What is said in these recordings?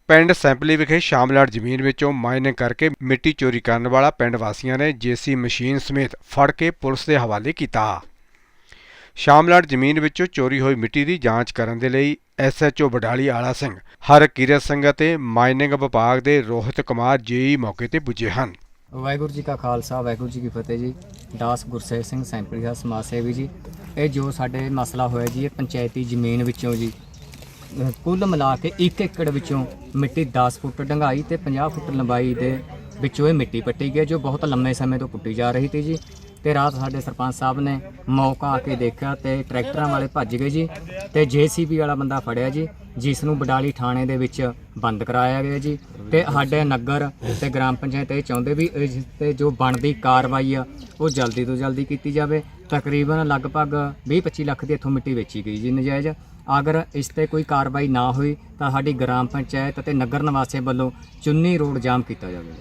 ਪਿੰਡ ਸੈਂਪਲੀ ਵਿਖੇ ਸ਼ਾਮਲਾਟ ਜ਼ਮੀਨ ਵਿੱਚੋਂ ਮਾਈਨਿੰਗ ਕਰਕੇ ਮਿੱਟੀ ਚੋਰੀ ਕਰਨ ਵਾਲਾ ਪਿੰਡ ਵਾਸੀਆਂ ਨੇ ਜੇਸੀ ਮਸ਼ੀਨ ਸਮੇਤ ਫੜ ਕੇ ਪੁਲਿਸ ਦੇ ਹਵਾਲੇ ਕੀਤਾ। ਸ਼ਾਮਲਾਟ ਜ਼ਮੀਨ ਵਿੱਚੋਂ ਚੋਰੀ ਹੋਈ ਮਿੱਟੀ ਦੀ ਜਾਂਚ ਕਰਨ ਦੇ ਲਈ SHO ਬਡਾਲੀ ਆਲਾ ਸਿੰਘ, ਹਰਕੀਰਤ ਸਿੰਘ ਅਤੇ ਮਾਈਨਿੰਗ ਵਿਭਾਗ ਦੇ ਰੋਹਿਤ ਕੁਮਾਰ JE ਮੌਕੇ ਤੇ ਪੁੱਜੇ ਹਨ। ਵਾਹਿਗੁਰੂ ਜੀ ਕਾ ਖਾਲਸਾ, ਵਾਹਿਗੁਰੂ ਜੀ ਕੀ ਫਤਿਹ ਜੀ। ਦਾਸ ਗੁਰਸੇਵ ਸਿੰਘ ਸੈਂਪਲੀ ਦਾ ਸਮਾਜ ਸੇਵੀ ਜੀ। ਇਹ ਜੋ ਸਾਡੇ ਮਸਲਾ ਹੋਇਆ ਜੀ, ਇਹ ਪੰਚਾਇਤੀ ਜ਼ਮੀਨ ਵਿੱਚੋਂ ਜੀ ਕੁੱਲ ਮਿਲਾ ਕੇ 1 ਏਕੜ ਵਿੱਚੋਂ ਮਿੱਟੀ 10 ਫੁੱਟ ਡੂੰਘਾਈ ਤੇ 50 ਫੁੱਟ ਲੰਬਾਈ ਦੇ ਵਿੱਚੋਂ ਇਹ ਮਿੱਟੀ ਪੱਟੀ ਗਈ, ਜੋ ਬਹੁਤ ਲੰਮੇ ਸਮੇਂ ਤੋਂ ਪੁੱਟੀ ਜਾ ਰਹੀ ਸੀ ਜੀ। ਤੇ ਰਾਤ ਸਾਡੇ ਸਰਪੰਚ ਸਾਹਿਬ ਨੇ ਮੌਕਾ ਆ ਕੇ ਦੇਖਿਆ ਤੇ ਟਰੈਕਟਰਾਂ ਵਾਲੇ ਭੱਜ ਗਏ ਜੀ ਤੇ JCB ਵਾਲਾ ਬੰਦਾ ਫੜਿਆ ਜੀ, ਜਿਸ ਨੂੰ ਬਡਾਲੀ ਥਾਣੇ ਦੇ ਵਿੱਚ ਬੰਦ ਕਰਾਇਆ ਗਿਆ ਜੀ। ਤੇ ਸਾਡੇ ਨਗਰ ਤੇ ਗ੍ਰਾਮ ਪੰਚਾਇਤ ਇਹ ਚਾਹੁੰਦੇ ਵੀ ਇਸ 'ਤੇ ਜੋ ਬਣਦੀ ਕਾਰਵਾਈ ਆ ਉਹ ਜਲਦੀ ਤੋਂ ਜਲਦੀ ਕੀਤੀ ਜਾਵੇ। ਤਕਰੀਬਨ ਲਗਭਗ 20-25 ਲੱਖ ਦੀ ਇੱਥੋਂ ਮਿੱਟੀ ਵੇਚੀ ਗਈ ਜੀ ਨਜਾਇਜ਼। ਅਗਰ ਇਸ 'ਤੇ ਕੋਈ ਕਾਰਵਾਈ ਨਾ ਹੋਈ ਤਾਂ ਸਾਡੀ ਗ੍ਰਾਮ ਪੰਚਾਇਤ ਅਤੇ ਨਗਰ ਨਿਵਾਸੀਆਂ ਵੱਲੋਂ ਚੁੰਨੀ ਰੋਡ ਜਾਮ ਕੀਤਾ ਜਾਵੇਗਾ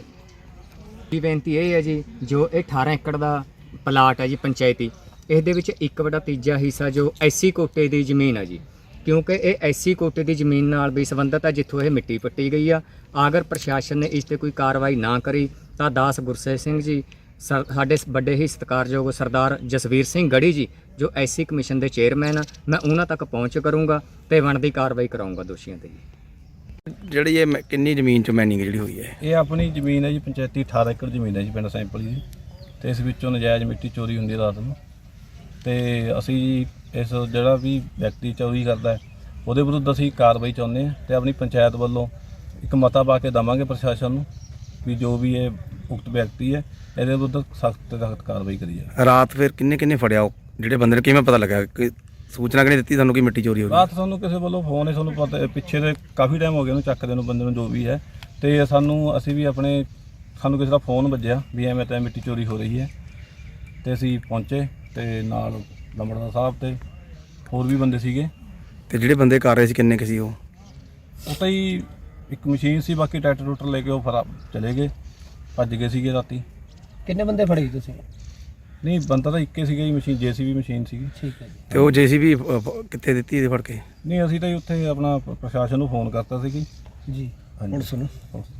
ਜੀ। ਬੇਨਤੀ ਇਹ ਹੈ ਜੀ, ਜੋ ਇਹ 18 ਏਕੜ ਦਾ ਪਲਾਟ ਹੈ ਜੀ ਪੰਚਾਇਤੀ, ਇਸ ਦੇ ਵਿੱਚ 1/3 ਹਿੱਸਾ ਜੋ SC ਕੋਟੇ ਦੀ ਜ਼ਮੀਨ ਹੈ ਜੀ, ਕਿਉਂਕਿ ਇਹ SC ਕੋਟੇ ਦੀ ਜ਼ਮੀਨ ਨਾਲ ਵੀ ਸੰਬੰਧਿਤ ਹੈ ਜਿੱਥੋਂ ਇਹ ਮਿੱਟੀ ਪੱਟੀ ਗਈ ਆ। ਅਗਰ ਪ੍ਰਸ਼ਾਸਨ ਨੇ ਇਸ 'ਤੇ ਕੋਈ ਕਾਰਵਾਈ ਨਾ ਕਰੀ ਤਾਂ ਦਾਸ ਗੁਰਸੇਵ ਸਿੰਘ ਜੀ, ਸਾਡੇ ਵੱਡੇ ਹੀ ਸਤਿਕਾਰਯੋਗ ਸਰਦਾਰ ਜਸਵੀਰ ਸਿੰਘ ਗੜੀ ਜੀ, ਜੋ SC ਕਮਿਸ਼ਨ ਦੇ ਚੇਅਰਮੈਨ ਆ, ਮੈਂ ਉਹਨਾਂ ਤੱਕ ਪਹੁੰਚ ਕਰੂੰਗਾ ਤੇ ਬਣਦੀ ਕਾਰਵਾਈ ਕਰਾਊਂਗਾ ਦੋਸ਼ੀਆਂ 'ਤੇ ਜੀ। ਜਿਹੜੀ ਇਹ ਕਿੰਨੀ ਜ਼ਮੀਨ 'ਚ ਮਾਈਨਿੰਗ ਜਿਹੜੀ ਹੋਈ ਹੈ? ਇਹ ਆਪਣੀ ਜ਼ਮੀਨ ਹੈ ਜੀ, ਪੰਚਾਇਤੀ 18 ਏਕੜ ਜ਼ਮੀਨ ਹੈ ਜੀ ਪਿੰਡ ਸੈਂਪਲੀ ਦੀ, ਤੇ ਇਸ ਵਿੱਚੋਂ ਨਜਾਇਜ਼ ਮਿੱਟੀ ਚੋਰੀ ਹੁੰਦੀ ਹੈ ਰਾਤ ਨੂੰ। ਤੇ ਅਸੀਂ ਇਸ ਜਿਹੜਾ ਵੀ ਵਿਅਕਤੀ ਚੋਰੀ ਕਰਦਾ ਹੈ ਉਹਦੇ ਵਿਰੁੱਧ ਅਸੀਂ ਕਾਰਵਾਈ ਚਾਹੁੰਦੇ ਹਾਂ ਤੇ ਆਪਣੀ ਪੰਚਾਇਤ ਵੱਲੋਂ ਇੱਕ ਮਤਾ ਪਾ ਕੇ ਦੇਵਾਂਗੇ ਪ੍ਰਸ਼ਾਸਨ ਨੂੰ ਵੀ ਜੋ ਵੀ ਇਹ ਉਕਤ ਵਿਅਕਤੀ ਹੈ ਇਹਦੇ ਵਿਰੁੱਧ ਸਖਤ ਤੋਂ ਸਖਤ ਕਾਰਵਾਈ ਕਰੀ ਜਾਵੇ। ਰਾਤ ਫਿਰ ਕਿੰਨੇ ਫੜਿਆ ਉਹ ਜਿਹੜੇ ਬੰਦੇ ਨੇ, ਕਿਵੇਂ ਪਤਾ ਲੱਗਾ? ਕਿ ਸੂਚਨਾ ਕਿਹਨੇ ਦਿੱਤੀ ਤੁਹਾਨੂੰ ਕਿ ਮਿੱਟੀ ਚੋਰੀ ਹੋ ਗਈ? ਰਾਤ ਸਾਨੂੰ ਕਿਸੇ ਵੱਲੋਂ ਫੋਨ ਹੈ, ਸਾਨੂੰ ਪਤਾ ਪਿੱਛੇ ਦੇ ਕਾਫੀ ਟਾਈਮ ਹੋ ਗਿਆ ਉਹਨੂੰ ਚੱਕਦੇ ਨੂੰ, ਬੰਦੇ ਨੂੰ ਜੋ ਵੀ ਹੈ। ਤੇ ਅਸੀਂ ਵੀ ਸਾਨੂੰ ਕਿਸੇ ਦਾ ਫੋਨ ਵੱਜਿਆ ਵੀ ਐਵੇਂ ਤਾਂ ਮਿੱਟੀ ਚੋਰੀ ਹੋ ਰਹੀ ਹੈ ਤੇ ਅਸੀਂ ਪਹੁੰਚੇ ਤੇ ਨਾਲ ਲੰਬੜਦਾਰ ਸਾਹਿਬ ਤੇ ਹੋਰ ਵੀ ਬੰਦੇ ਸੀਗੇ। ਤੇ ਜਿਹੜੇ ਬੰਦੇ ਕਰ ਰਹੇ ਸੀ ਕਿੰਨੇ ਕੁ ਸੀ ਉਹ? ਉਹ ਤਾਂ ਹੀ ਇੱਕ ਮਸ਼ੀਨ ਸੀ, ਬਾਕੀ ਟਰੈਕਟਰ ਲੈ ਕੇ ਉਹ ਚਲੇ ਗਏ, ਭੱਜ ਗਏ ਸੀਗੇ ਰਾਤੀ। ਕਿੰਨੇ ਬੰਦੇ ਫੜੇ ਜੀ ਤੁਸੀਂ? ਨਹੀਂ, ਬੰਦਾ ਤਾਂ ਇੱਕੇ ਸੀਗਾ ਜੀ, ਮਸ਼ੀਨ JCB ਮਸ਼ੀਨ ਸੀਗੀ। ਠੀਕ ਹੈ ਜੀ। ਤੇ ਉਹ JCB ਕਿੱਥੇ ਦਿੱਤੀ ਇਹਦੇ ਫੜ ਕੇ? ਨਹੀਂ, ਅਸੀਂ ਤਾਂ ਉੱਥੇ ਆਪਣਾ ਪ੍ਰਸ਼ਾਸਨ ਨੂੰ ਫੋਨ ਕਰਤਾ ਸੀ ਜੀ। ਹਾਂਜੀ, ਹੁਣ ਸੁਣੋ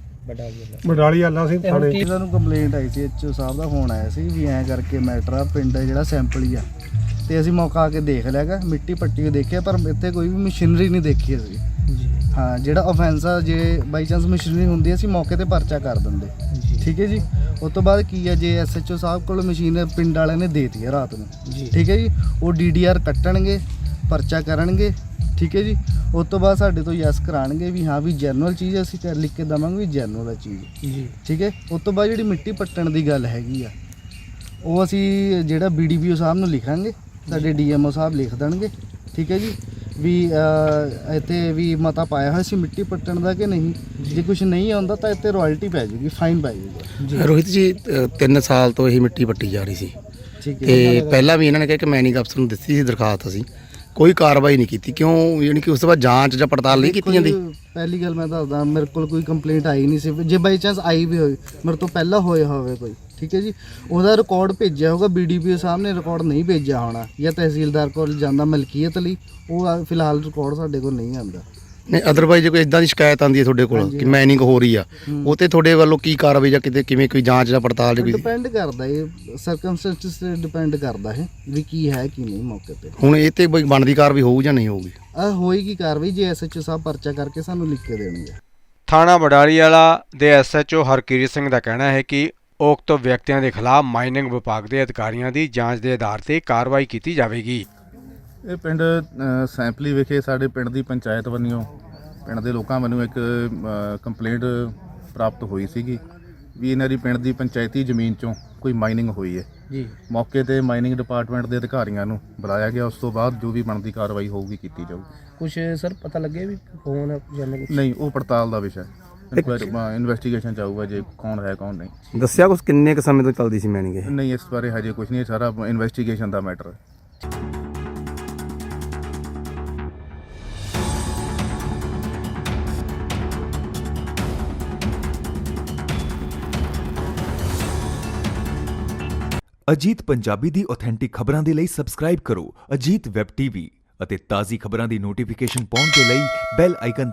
ਬਡਾਲੀ ਆਲਾ ਸਿੰਘ ਥਾਣੇ ਇਹਨਾਂ ਨੂੰ ਕੰਪਲੇਂਟ ਆਈ ਸੀ, HO ਸਾਹਿਬ ਦਾ ਫੋਨ ਆਇਆ ਸੀ ਵੀ ਐਂ ਕਰਕੇ ਮੈਟਰ ਆ, ਪਿੰਡ ਜਿਹੜਾ ਸੈਂਪਲੀ ਆ। ਤੇ ਅਸੀਂ ਮੌਕਾ ਆ ਕੇ ਦੇਖ ਲਿਆਗਾ, ਮਿੱਟੀ ਪੱਟੀ ਕੇ ਦੇਖਿਆ, ਪਰ ਇੱਥੇ ਕੋਈ ਵੀ ਮਸ਼ੀਨਰੀ ਨਹੀਂ ਦੇਖੀ ਅਸੀਂ ਜੀ। ਹਾਂ, ਜਿਹੜਾ ਆਫੈਂਸ ਆ, ਜੇ ਬਾਈ ਚਾਂਸ ਮਸ਼ੀਨਰੀ ਹੁੰਦੀ ਅਸੀਂ ਮੌਕੇ ਤੇ ਪਰਚਾ ਕਰ ਦਿੰਦੇ। ਠੀਕ ਹੈ ਜੀ। ਉਸ ਤੋਂ ਬਾਅਦ ਕੀ ਹੈ, ਜੇ SHO ਸਾਹਿਬ ਕੋਲ ਮਸ਼ੀਨ ਪਿੰਡ ਵਾਲਿਆਂ ਨੇ ਦੇਤੀ ਹੈ ਰਾਤ ਨੂੰ, ਠੀਕ ਹੈ ਜੀ, ਉਹ DDR ਕੱਟਣਗੇ, ਪਰਚਾ ਕਰਨਗੇ। ਠੀਕ ਹੈ ਜੀ। ਉਸ ਤੋਂ ਬਾਅਦ ਸਾਡੇ ਤੋਂ ਯੈਸ ਕਰਾਉਣਗੇ ਵੀ ਹਾਂ ਵੀ ਜਰਨਲ ਚੀਜ਼ ਅਸੀਂ ਲਿਖ ਕੇ ਦੇਵਾਂਗੇ ਵੀ ਜਰਨਲ ਹੈ ਚੀਜ਼ ਜੀ। ਠੀਕ ਹੈ। ਉਸ ਤੋਂ ਬਾਅਦ ਜਿਹੜੀ ਮਿੱਟੀ ਪੱਟਣ ਦੀ ਗੱਲ ਹੈਗੀ ਆ, ਉਹ ਅਸੀਂ ਜਿਹੜਾ BDPO ਸਾਹਿਬ ਨੂੰ ਲਿਖਾਂਗੇ, ਸਾਡੇ DMO ਸਾਹਿਬ ਲਿਖ ਦੇਣਗੇ। ਠੀਕ ਹੈ ਜੀ। ਵੀ ਇੱਥੇ ਵੀ ਮਤਾ ਪਾਇਆ ਹੋਇਆ ਸੀ ਮਿੱਟੀ ਪੱਟਣ ਦਾ ਕਿ ਨਹੀਂ, ਜੇ ਕੁਝ ਨਹੀਂ ਆਉਂਦਾ ਤਾਂ ਇੱਥੇ ਰਾਇਲਟੀ ਪੈ ਜਾਊਗੀ, ਫਾਈਨ ਪੈ ਜਾਊਗਾ। ਰੋਹਿਤ ਜੀ, 3 ਸਾਲ ਤੋਂ ਇਹ ਮਿੱਟੀ ਪੱਟੀ ਜਾ ਰਹੀ ਸੀ। ਠੀਕ ਹੈ। ਤੇ ਪਹਿਲਾਂ ਵੀ ਇਹਨਾਂ ਨੇ ਕਿਹਾ ਕਿ ਮਾਈਨਿੰਗ ਅਫਸਰ ਨੂੰ ਦਿੱਤੀ ਸੀ ਦਰਖਾਸਤ, ਅਸੀਂ ਕੋਈ ਕਾਰਵਾਈ ਨਹੀਂ ਕੀਤੀ। ਕਿਉਂ? ਯਾਨੀ ਕਿ ਉਸ ਤੋਂ ਬਾਅਦ ਜਾਂਚ ਜਾਂ ਪੜਤਾਲ ਨਹੀਂ ਕੀਤੀ ਜਾਂਦੀ? ਪਹਿਲੀ ਗੱਲ ਮੈਂ ਦੱਸਦਾ, ਮੇਰੇ ਕੋਲ ਕੋਈ ਕੰਪਲੇਂਟ ਆਈ ਨਹੀਂ ਸੀ। ਜੇ ਬਾਈ ਚਾਂਸ ਆਈ ਵੀ ਹੋਈ, ਮੇਰੇ ਤੋਂ ਪਹਿਲਾਂ ਹੋਇਆ ਹੋਵੇ ਕੋਈ, ਠੀਕ ਹੈ ਜੀ, ਉਹਦਾ ਰਿਕਾਰਡ ਭੇਜਿਆ ਹੋਗਾ, BDPO ਸਾਹਿਬ ਨੇ ਰਿਕਾਰਡ ਨਹੀਂ ਭੇਜਿਆ ਹੋਣਾ, ਜਾਂ ਤਹਿਸੀਲਦਾਰ ਕੋਲ ਜਾਂਦਾ ਮਲਕੀਅਤ ਲਈ, ਉਹ ਫਿਲਹਾਲ ਰਿਕਾਰਡ ਸਾਡੇ ਕੋਲ ਨਹੀਂ ਆਉਂਦਾ। ਨਹੀਂ, ਅਦਰਵਾਈਜ਼ ਜੇ ਕੋਈ ਇਦਾਂ ਦੀ ਸ਼ਿਕਾਇਤ ਆਉਂਦੀ ਹੈ ਤੁਹਾਡੇ ਕੋਲ ਕਿ ਮਾਈਨਿੰਗ ਹੋ ਰਹੀ ਆ, ਉਹ ਤੇ ਤੁਹਾਡੇ ਵੱਲੋਂ ਕੀ ਕਾਰਵਾਈ ਜਾਂ ਕਿਤੇ ਕਿਵੇਂ ਕੋਈ ਜਾਂਚ ਜਾਂ ਪੜਤਾਲ ਜਾਂ ਕੋਈ? ਡਿਪੈਂਡ ਕਰਦਾ, ਇਹ ਸਰਕਮਸਟੈਂਸਸ ਤੇ ਡਿਪੈਂਡ ਕਰਦਾ ਹੈ ਵੀ ਕੀ ਹੈ ਕੀ ਨਹੀਂ ਮੌਕੇ ਤੇ। ਹੁਣ ਇਹ ਤੇ ਕੋਈ ਬਣਦੀ ਕਾਰਵਾਈ ਹੋਊ ਜਾਂ ਨਹੀਂ ਹੋਊਗੀ? ਹੋਏਗੀ ਕਾਰਵਾਈ ਜੇ SHO ਸਾਹਿਬ ਪਰਚਾ ਕਰਕੇ ਸਾਨੂੰ ਲਿਖ ਕੇ ਦੇਣਗੇ। ਥਾਣਾ ਬਡਾਲੀ ਵਾਲਾ ਦੇ SHO ਹਰਕੀਰਤ ਸਿੰਘ ਦਾ ਕਹਿਣਾ ਹੈ ਕਿ ਉਕਤ ਵਿਅਕਤੀਆਂ ਦੇ ਖਿਲਾਫ ਮਾਈਨਿੰਗ ਵਿਭਾਗ ਦੇ ਅਧਿਕਾਰੀਆਂ ਦੀ ਜਾਂਚ ਦੇ ਆਧਾਰ ਤੇ ਕਾਰਵਾਈ ਕੀਤੀ ਜਾਵੇਗੀ। ਇਹ ਪਿੰਡ ਸੈਂਪਲੀ ਵਿਖੇ ਸਾਡੇ ਪਿੰਡ ਦੀ ਪੰਚਾਇਤ ਵੱਲੋਂ, ਪਿੰਡ ਦੇ ਲੋਕਾਂ ਵੱਲੋਂ ਇੱਕ ਕੰਪਲੇਂਟ ਪ੍ਰਾਪਤ ਹੋਈ ਸੀਗੀ ਵੀ ਇਹਨਾਂ ਦੀ ਪਿੰਡ ਦੀ ਪੰਚਾਇਤੀ ਜ਼ਮੀਨ 'ਚੋਂ ਕੋਈ ਮਾਈਨਿੰਗ ਹੋਈ ਹੈ ਜੀ। ਮੌਕੇ ਤੇ ਮਾਈਨਿੰਗ ਡਿਪਾਰਟਮੈਂਟ ਦੇ ਅਧਿਕਾਰੀਆਂ ਨੂੰ ਬੁਲਾਇਆ ਗਿਆ, ਉਸ ਤੋਂ ਬਾਅਦ ਜੋ ਵੀ ਬਣਦੀ ਕਾਰਵਾਈ ਹੋਊਗੀ ਕੀਤੀ ਜਾਊਗੀ। ਕੁਝ ਸਰ ਪਤਾ ਲੱਗੇ ਵੀ ਕੌਣ ਜਾਨੇ? ਨਹੀਂ, ਉਹ ਪੜਤਾਲ ਦਾ ਵਿਸ਼ਾ, ਇਨਵੈਸਟੀਗੇਸ਼ਨ ਚਾਹੂਗਾ ਜੇ ਕੌਣ ਹੈ ਕੌਣ ਨਹੀਂ। ਦੱਸਿਆ ਕੁਛ ਕਿੰਨੇ ਕੁ ਸਮੇਂ ਤੋਂ ਚੱਲਦੀ ਸੀ ਮਾਈਨਿੰਗ ਇਹ? ਨਹੀਂ, ਇਸ ਬਾਰੇ ਹਜੇ ਕੁਝ ਨਹੀਂ, ਸਾਰਾ ਇਨਵੈਸਟੀਗੇਸ਼ਨ ਦਾ ਮੈਟਰ ਹੈ। ਅਜੀਤ ਪੰਜਾਬੀ ਦੀ ਆਥੈਂਟਿਕ ਖਬਰਾਂ ਦੇ ਲਈ ਸਬਸਕ੍ਰਾਈਬ ਕਰੋ ਅਜੀਤ ਵੈਬ TV ਅਤੇ ਤਾਜ਼ੀ ਖਬਰਾਂ ਦੀ ਨੋਟੀਫਿਕੇਸ਼ਨ ਪਾਉਣ ਦੇ ਲਈ ਬੈਲ ਆਈਕਨ